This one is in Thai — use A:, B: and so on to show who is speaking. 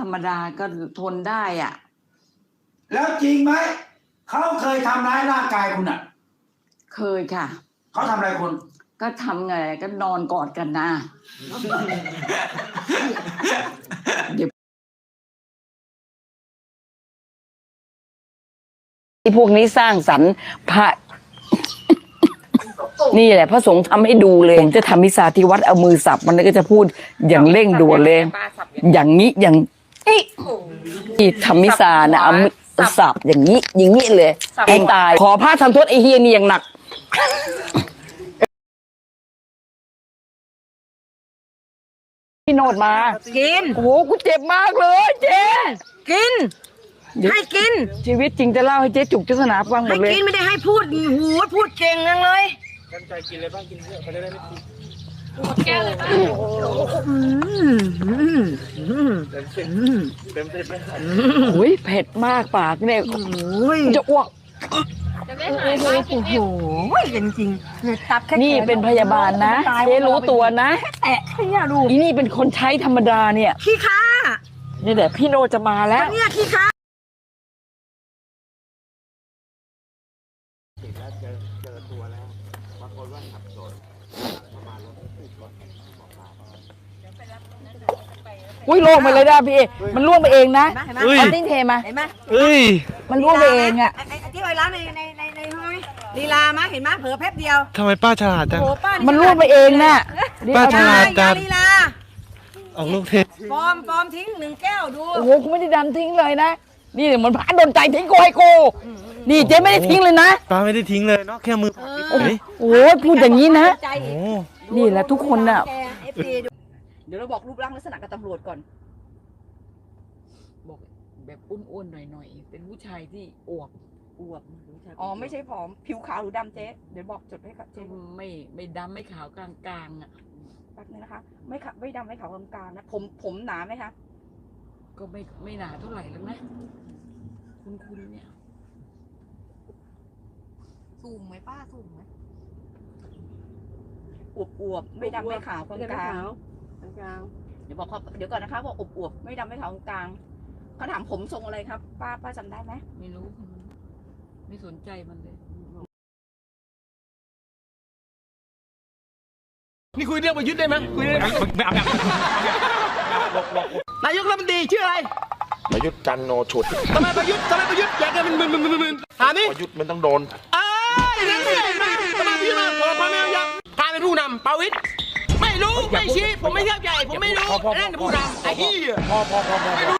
A: รมดาก็ทนได้อ่ะ
B: แล้วจริงไหมเขาเคยทำร้ายร่างกายคุณอ่ะ
A: เคยค่ะ
B: เขาทำอะไรคุณ
A: ก็ทำไงก็นอนกอดกันนะ เดี๋ยวที่พวกนี้สร้างสรรค์พระ นี่แหละพระสงฆ์ทำให้ดูเลยผมจะทำมิสาที่วัดเอามือสับมันก็จะพูดอย่างเร่งด่วนเลย อย่างนี้อย่างนี้ที่ทำมิสานะเอามือสับอย่างนี้อย่างนี้เลยให้ตายขอพระทำโทษไอ้เฮียนี่อย่างหนักพี่โนดมากินโอ้โหกูเจ็บมากเลยเจ๊กินให้กินชีวิตจริงจะเล่าให้เจ๊จุกเจ้าสนาฟังหมดเลยให้กินไม่ได้ให้พูดหูพูดเก่งจังเลยตั้งใจกินเลยบ้างกินเยอะเขาได้ไม่กินแก้วเลยบ้างโอ้ยเผ็ดมากปากเนี่ยจะอ้วกโอ้โหจริงๆตับแค่นี่เป็นพยาบาลนะเจ๊รู้ตัวนะแตะขยะดูอีนี่เป็นคนใช้ธรรมดาเนี่ยขี้ข้านี่แหละพี่โนจะมาแล้วเนี่ยขี้ข้าอุ้ยล่วงไปเลยได้พี่มันล่วงไปเองนะเอาติ้งเทมาเห็นไหมมันล่วงไปเองอ่ะ
C: ที่ไว้ร้านในห้องลีลามาเห็นไหมเผลอแป๊บเดียว
D: ทำไมป้าฉลาดจัง
A: มันล่วงไปเองน่ะ
D: ป้าฉลาดจัง
C: ลีลา
D: ออกลูกเทป
C: ฟอร์มทิ้ง1 แก้วดู
A: โอ้โหกูไม่ได้ดันทิ้งเลยนะนี่เหมือนพระโดนใจทิ้งกูให้กูนี่เจ๊ไม่ได้ทิ้งเลยนะ
D: ป้าไม่ได้ทิ้งเลยเนาะแค่มือ
A: โอ้ยพูดอย่างนี้นะ
D: โอ้
A: นี่แหละทุกคนน่ะ
C: เดี๋ยวเราบอกรูปร่างลักษณะกับตำรวจก่อน
A: บอกแบบอ้วนๆหน่อยๆเป็นผู้ชายที่อวบ
C: อ๋อไม่ใช่ผอมผิวขาวหรือดำเจ๊เดี๋ยวบอกจดให้ค่ะเจ๊
A: ไม่ดำไม่ขาวกลางๆอ่ะ
C: แป๊บนึงนะคะไม่ดำไม่ขาวกลางๆนะผมหนาไหมคะ
A: ก็ไม่หนาเท่าไหร่แล้วนะคุณเนี่ย
C: สูงไหมป้าสูงไหมอวบไม่ดำไม่ขาวกลางเดี๋ยวบอกเขาเดี๋ยวก่อนนะคะบอกอวบไม่ดำไม่ขาวกลางเขาถามผมทรงอะไรครับป้าจำได้ไหม
A: ไม่รู้ไม่สนใจมันเลย
E: นี่คุยเรื่องประยุทธ์ได้ไหมคุยเรื่องนายกรัฐมนตรีชื่ออะไร
F: ประยุทธ์จันโนฉุด
E: ทำไมประยุทธ์อยากจะเป็นมึนถามนี่
F: ประยุทธ์มันต้องโดน
E: อย่างนี้ทำไมพี่มาพอไม่ยักพาเป็นผู้นำประวิตรไม่รู้ไม่ชี้ผมไม่เข้าใจผมไม่รู้นั่นผู้นำไอ้เหี้ยไม่รู้